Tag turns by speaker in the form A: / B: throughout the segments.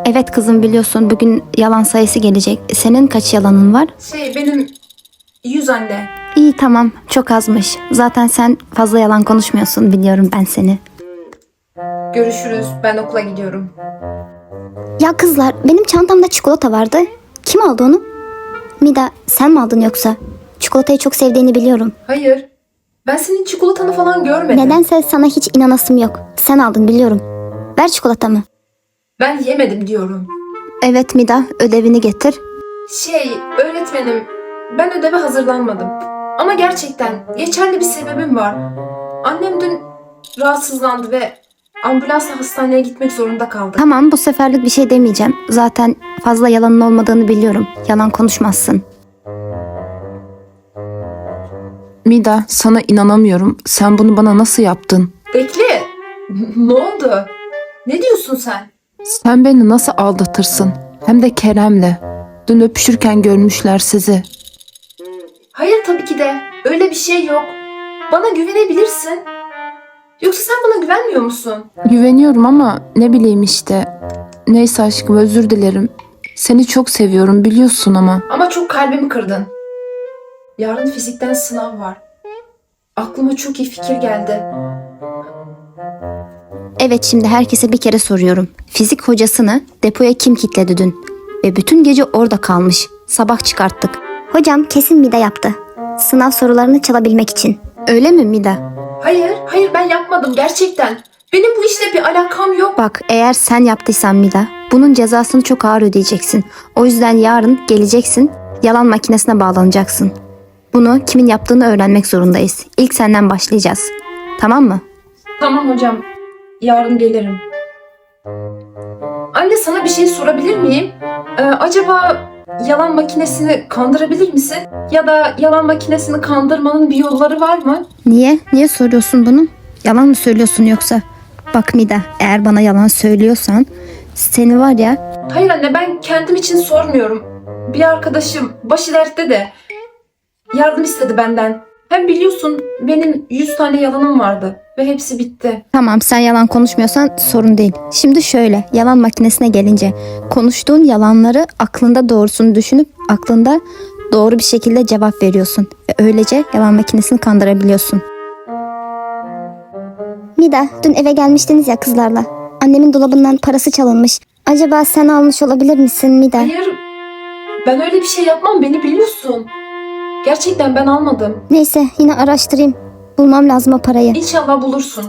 A: Evet kızım, biliyorsun bugün yalan sayısı gelecek. Senin kaç yalanın var?
B: Benim 100 anne.
A: İyi, tamam, çok azmış. Zaten sen fazla yalan konuşmuyorsun, biliyorum ben seni.
B: Görüşürüz. Ben okula gidiyorum.
C: Ya kızlar, benim çantamda çikolata vardı. Kim aldı onu? Mida, sen mi aldın yoksa? Çikolatayı çok sevdiğini biliyorum.
B: Hayır. Ben senin çikolatanı falan görmedim.
C: Nedense sana hiç inanasım yok. Sen aldın biliyorum. Ver çikolatamı.
B: Ben yemedim diyorum.
A: Evet Mida, ödevini getir.
B: Öğretmenim, ben ödeve hazırlanmadım. Ama gerçekten geçerli bir sebebim var. Annem dün rahatsızlandı ve ambulansla hastaneye gitmek zorunda kaldı.
A: Tamam, bu seferlik bir şey demeyeceğim. Zaten fazla yalanın olmadığını biliyorum. Yalan konuşmazsın.
D: Mida, sana inanamıyorum. Sen bunu bana nasıl yaptın?
B: Bekle. Ne oldu? Ne diyorsun sen?
D: Sen beni nasıl aldatırsın? Hem de Kerem'le. Dün öpüşürken görmüşler sizi.
B: Hayır, tabii ki de. Öyle bir şey yok. Bana güvenebilirsin. Yoksa sen bana güvenmiyor musun?
D: Güveniyorum ama ne bileyim işte. Neyse aşkım, özür dilerim. Seni çok seviyorum biliyorsun ama.
B: Ama çok kalbimi kırdın. Yarın fizikten sınav var. Aklıma çok iyi fikir geldi.
A: Evet, şimdi herkese bir kere soruyorum. Fizik hocasını depoya kim kilitledi dün? Ve bütün gece orada kalmış. Sabah çıkarttık.
C: Hocam kesin Mida yaptı. Sınav sorularını çalabilmek için.
A: Öyle mi Mida?
B: Hayır ben yapmadım gerçekten. Benim bu işle bir alakam yok.
A: Bak, eğer sen yaptıysan Mida, bunun cezasını çok ağır ödeyeceksin. O yüzden yarın geleceksin, yalan makinesine bağlanacaksın. Bunu kimin yaptığını öğrenmek zorundayız. İlk senden başlayacağız. Tamam mı?
B: Tamam hocam. Yarın gelirim. Anne, sana bir şey sorabilir miyim? Acaba yalan makinesini kandırabilir misin? Ya da yalan makinesini kandırmanın bir yolları var mı?
A: Niye? Niye soruyorsun bunu? Yalan mı söylüyorsun yoksa? Bak Mida, eğer bana yalan söylüyorsan seni var ya...
B: Hayır anne, ben kendim için sormuyorum. Bir arkadaşım başı dertte de yardım istedi benden. Hem biliyorsun benim 100 tane yalanım vardı ve hepsi bitti.
A: Tamam, sen yalan konuşmuyorsan sorun değil. Şimdi şöyle, yalan makinesine gelince konuştuğun yalanları aklında doğrusunu düşünüp aklında doğru bir şekilde cevap veriyorsun. Ve öylece yalan makinesini kandırabiliyorsun.
C: Mida, dün eve gelmiştiniz ya kızlarla. Annemin dolabından parası çalınmış. Acaba sen almış olabilir misin Mida?
B: Hayır, ben öyle bir şey yapmam, beni biliyorsun. Gerçekten ben almadım.
C: Neyse, yine araştırayım. Bulmam lazım o parayı.
B: İnşallah bulursun.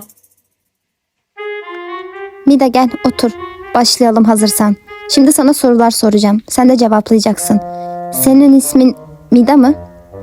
A: Mida gel otur. Başlayalım hazırsan. Şimdi sana sorular soracağım. Sen de cevaplayacaksın. Senin ismin Mida mı?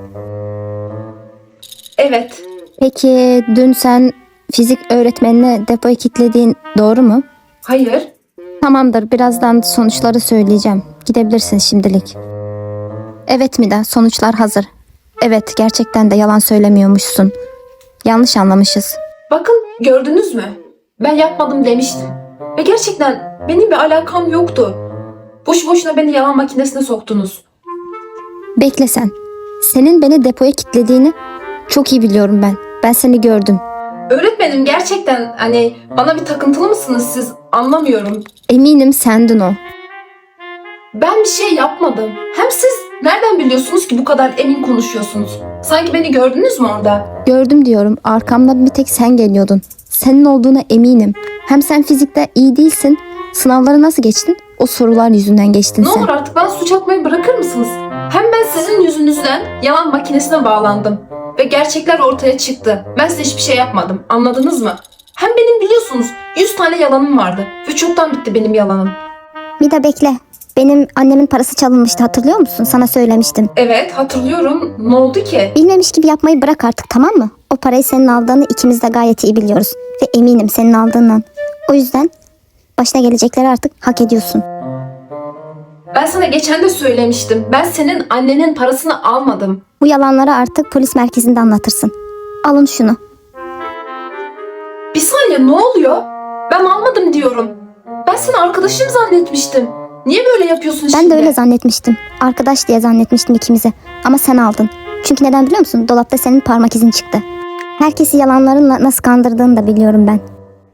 B: Evet.
A: Peki dün sen fizik öğretmenine depoyu kilitlediğin doğru mu?
B: Hayır.
A: Tamamdır, birazdan sonuçları söyleyeceğim. Gidebilirsin şimdilik. Evet Mida, sonuçlar hazır. Evet, gerçekten de yalan söylemiyormuşsun. Yanlış anlamışız.
B: Bakın, gördünüz mü? Ben yapmadım demiştim. Ve gerçekten benim bir alakam yoktu. Boşu boşuna beni yalan makinesine soktunuz.
A: Bekle sen. Senin beni depoya kilitlediğini çok iyi biliyorum ben. Ben seni gördüm.
B: Öğretmenim, gerçekten bana bir takıntılı mısınız siz? Anlamıyorum.
A: Eminim sendin o.
B: Ben bir şey yapmadım. Hem siz nereden biliyorsunuz ki bu kadar emin konuşuyorsunuz? Sanki beni gördünüz mü orada?
A: Gördüm diyorum. Arkamda bir tek sen geliyordun. Senin olduğuna eminim. Hem sen fizikte iyi değilsin. Sınavları nasıl geçtin? O sorular yüzünden geçtin
B: Ne
A: sen.
B: olur artık bana suç atmayı bırakır mısınız? Hem ben sizin yüzünüzden yalan makinesine bağlandım. Ve gerçekler ortaya çıktı. Ben size hiçbir şey yapmadım. Anladınız mı? Hem benim biliyorsunuz 100 tane yalanım vardı. Ve çoktan bitti benim yalanım.
C: Mida bekle. Benim annemin parası çalınmıştı, hatırlıyor musun? Sana söylemiştim.
B: Evet, hatırlıyorum. Ne oldu ki?
C: Bilmemiş gibi yapmayı bırak artık, tamam mı? O parayı senin aldığını ikimiz de gayet iyi biliyoruz. Ve eminim senin aldığından. O yüzden başına gelecekleri artık hak ediyorsun.
B: Ben sana geçen de söylemiştim. Ben senin annenin parasını almadım.
C: Bu yalanları artık polis merkezinde anlatırsın. Alın şunu.
B: Bir saniye, ne oluyor? Ben almadım diyorum. Ben seni arkadaşım zannetmiştim. Niye böyle yapıyorsun şimdi?
C: Ben de öyle zannetmiştim. Arkadaş diye zannetmiştim ikimizi. Ama sen aldın. Çünkü neden biliyor musun? Dolapta senin parmak izin çıktı. Herkesi yalanlarınla nasıl kandırdığını da biliyorum ben.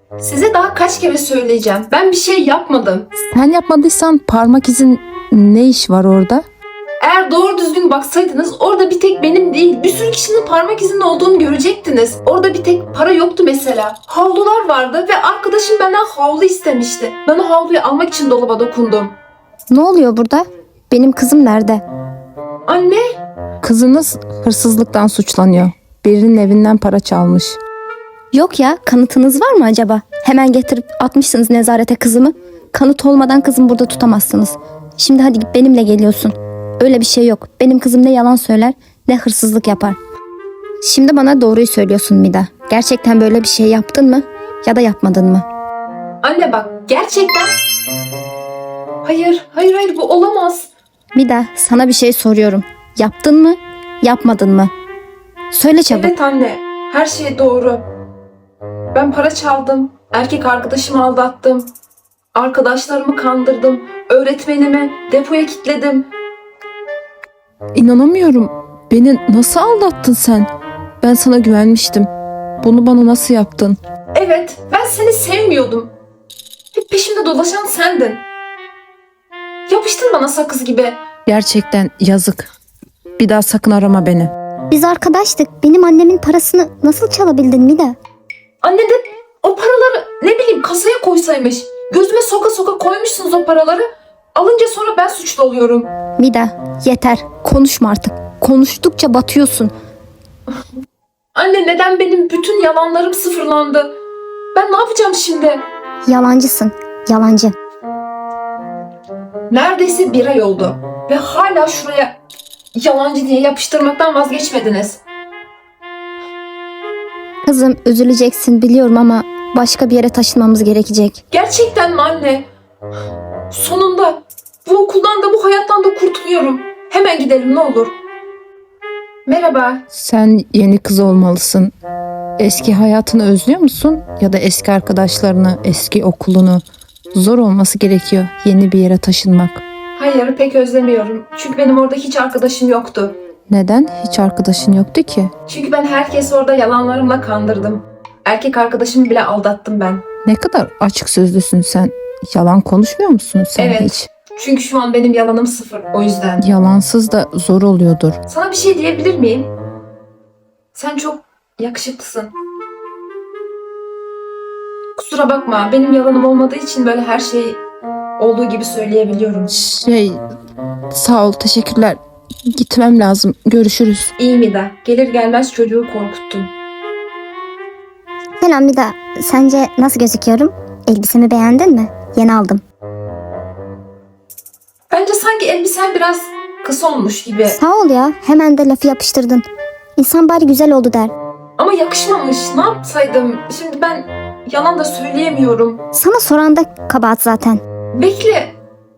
B: Size daha kaç kere söyleyeceğim. Ben bir şey yapmadım.
D: Sen yapmadıysan parmak izin ne iş var orada?
B: Eğer doğru düzgün baksaydınız orada bir tek benim değil bir sürü kişinin parmak izinin olduğunu görecektiniz. Orada bir tek para yoktu mesela. Havlular vardı ve arkadaşım benden havlu istemişti. Ben o havluyu almak için dolaba dokundum.
A: Ne oluyor burada? Benim kızım nerede?
B: Anne,
D: Kızınız hırsızlıktan suçlanıyor. Birinin evinden para çalmış.
A: Yok ya, kanıtınız var mı acaba? Hemen getirip atmışsınız nezarete kızımı. Kanıt olmadan kızım burada tutamazsınız. Şimdi hadi git benimle geliyorsun. Öyle bir şey yok. Benim kızım ne yalan söyler ne hırsızlık yapar. Şimdi bana doğruyu söylüyorsun Mida. Gerçekten böyle bir şey yaptın mı ya da yapmadın mı?
B: anne bak gerçekten... Hayır bu olamaz.
A: Mida, sana bir şey soruyorum. Yaptın mı, yapmadın mı? Söyle çabuk.
B: Evet anne, her şey doğru. Ben para çaldım, erkek arkadaşımı aldattım, arkadaşlarımı kandırdım, öğretmenimi depoya kilitledim.
D: İnanamıyorum. Beni nasıl aldattın sen? Ben sana güvenmiştim. Bunu bana nasıl yaptın?
B: Evet, ben seni sevmiyordum. Hep peşimde dolaşan sendin. Yapıştın bana sakız gibi.
D: Gerçekten yazık. Bir daha sakın arama beni.
C: Biz arkadaştık. Benim annemin parasını nasıl çalabildin Mida?
B: Anne de o paraları ne bileyim kasaya koysaymış. Gözüme soka soka koymuşsunuz o paraları. Alınca sonra ben suçlu oluyorum.
A: Mida, yeter. Konuşma artık. Konuştukça batıyorsun.
B: Anne neden benim bütün yalanlarım sıfırlandı? Ben ne yapacağım şimdi?
C: Yalancısın. Yalancı.
B: Neredeyse bir ay oldu. Ve hala şuraya yalancı diye yapıştırmaktan vazgeçmediniz.
A: Kızım, üzüleceksin biliyorum ama başka bir yere taşınmamız gerekecek.
B: Gerçekten mi anne? Sonunda bu okuldan da bu hayattan da kurtuluyorum. Hemen gidelim ne olur. Merhaba.
D: Sen yeni kız olmalısın. Eski hayatını özlüyor musun? Ya da eski arkadaşlarını, eski okulunu? Zor olması gerekiyor yeni bir yere taşınmak.
B: Hayır pek özlemiyorum. Çünkü benim orada hiç arkadaşım yoktu.
D: Neden? Hiç arkadaşın yoktu ki.
B: Çünkü ben herkesi orada yalanlarımla kandırdım. Erkek arkadaşımı bile aldattım ben.
D: Ne kadar açık sözlüsün sen. Yalan konuşmuyor musun sen
B: Evet.
D: hiç?
B: Çünkü şu an benim yalanım sıfır. O yüzden.
D: Yalansız da zor oluyordur.
B: Sana bir şey diyebilir miyim? Sen çok yakışıklısın. Kusura bakma. Benim yalanım olmadığı için böyle her şeyi olduğu gibi söyleyebiliyorum.
D: Sağ ol, teşekkürler. Gitmem lazım. Görüşürüz.
B: İyi Mida. Gelir gelmez çocuğu korkuttun.
C: Selam Mida. Sence nasıl gözüküyorum? Elbisemi beğendin mi? Yeni aldım.
B: Bence sanki elbisen biraz kısa olmuş gibi.
C: Sağ ol ya. Hemen de lafı yapıştırdın. İnsan bari güzel oldu der.
B: Ama yakışmamış. Ne yapsaydım? Şimdi ben yalan da söyleyemiyorum.
C: Sana soran da kabahat zaten.
B: Bekle.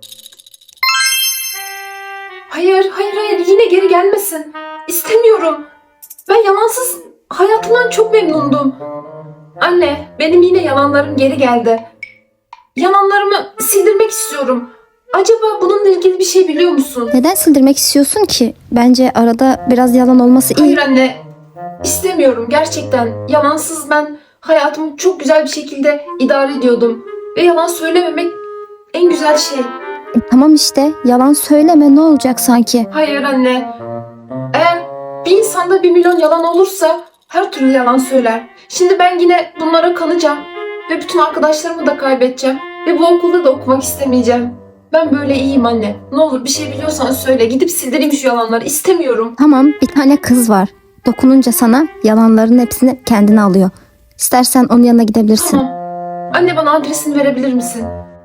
B: Hayır. Yine geri gelmesin. İstemiyorum. Ben yalansız hayatımdan çok memnundum. Anne, benim yine yalanlarım geri geldi. Yalanlarımı sildirmek istiyorum. Acaba bununla ilgili bir şey biliyor musun?
A: Neden sildirmek istiyorsun ki? Bence arada biraz yalan olması iyi.
B: Hayır anne. İstemiyorum gerçekten. Yalansız ben hayatımı çok güzel bir şekilde idare ediyordum. Ve yalan söylememek en güzel şey.
A: Tamam işte, yalan söyleme, ne olacak sanki?
B: Hayır anne. Eğer bir insanda 1 milyon yalan olursa her türlü yalan söyler. Şimdi ben yine bunlara kanacağım. Ve bütün arkadaşlarımı da kaybedeceğim. Ve bu okulda da okumak istemeyeceğim. Ben böyle iyiyim anne. Ne olur bir şey biliyorsan söyle. Gidip sildireyim şu yalanları. İstemiyorum.
A: Tamam, bir tane kız var. Dokununca sana yalanların hepsini kendine alıyor. İstersen onun yanına gidebilirsin.
B: Tamam. Anne bana adresini verebilir misin?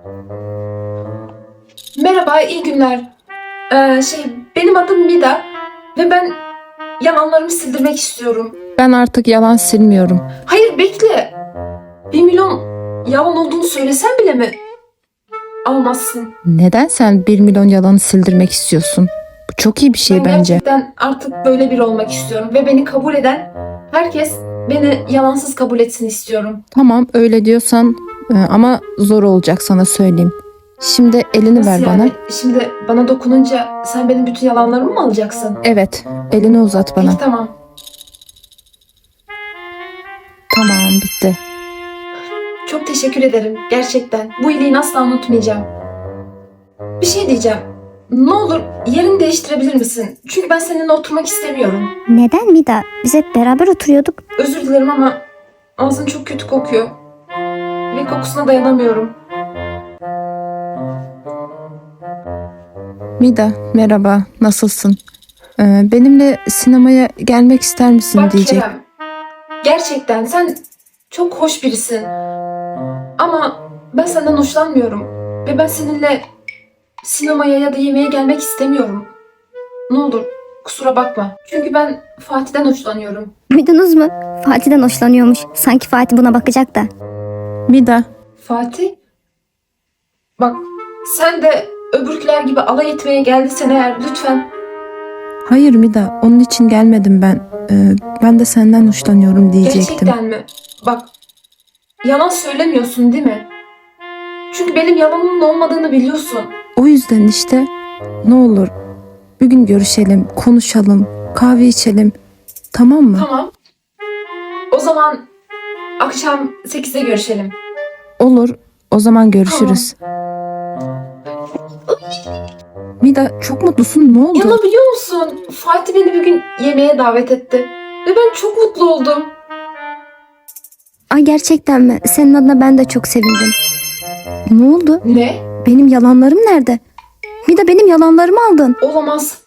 B: Merhaba, iyi günler. Benim adım Mida ve ben yalanlarımı sildirmek istiyorum.
D: Ben artık yalan silmiyorum.
B: Hayır bekle. 1 milyon yalan olduğunu söylesen bile mi almazsın?
D: Neden sen 1 milyon yalanı sildirmek istiyorsun? Bu çok iyi bir şey
B: Ben
D: bence.
B: gerçekten artık böyle biri olmak istiyorum ve beni kabul eden herkes beni yalansız kabul etsin istiyorum.
D: Tamam öyle diyorsan ama zor olacak sana söyleyeyim. Şimdi elini
B: Nasıl
D: ver
B: yani?
D: bana.
B: Şimdi bana dokununca sen benim bütün yalanlarımı mı alacaksın?
D: Evet, elini uzat bana.
B: Peki tamam.
D: Tamam, bitti.
B: Çok Çok teşekkür ederim. Gerçekten. Bu iyiliğini asla unutmayacağım. Bir şey diyeceğim. Ne olur yerini değiştirebilir misin? Çünkü ben seninle oturmak istemiyorum.
C: Neden Mida? Biz hep beraber oturuyorduk.
B: Özür dilerim ama ağzın çok kötü kokuyor. Ve kokusuna dayanamıyorum.
D: Mida, merhaba, nasılsın? Benimle sinemaya gelmek ister misin
B: Bak
D: diyecek.
B: Kerem. Gerçekten sen çok hoş birisin. Ama ben senden hoşlanmıyorum. Ve ben seninle sinemaya ya da yemeğe gelmek istemiyorum. Ne olur kusura bakma. Çünkü ben Fatih'ten hoşlanıyorum.
C: Duydunuz mu? Fatih'den hoşlanıyormuş. Sanki Fatih buna bakacak da.
D: Mida,
B: Fatih? Bak sen de öbürküler gibi alay etmeye geldiysen eğer lütfen.
D: hayır Mida, onun için gelmedim ben. Ben de senden hoşlanıyorum diyecektim.
B: Gerçekten mi? Bak yalan söylemiyorsun değil mi? Çünkü benim yalanımın olmadığını biliyorsun.
D: O yüzden işte ne olur bir gün görüşelim, konuşalım, kahve içelim. Tamam mı?
B: Tamam. O zaman akşam 8'de görüşelim.
D: Olur. O zaman görüşürüz. Mida çok mutlusun. Ne oldu?
B: Yana biliyor musun? Fatih beni bir gün yemeğe davet etti. Ve ben çok mutlu oldum.
A: Ay gerçekten mi? Senin adına ben de çok sevindim. Ne oldu?
B: Ne?
A: Benim yalanlarım nerede? Bir de benim yalanlarımı aldın.
B: Olamaz.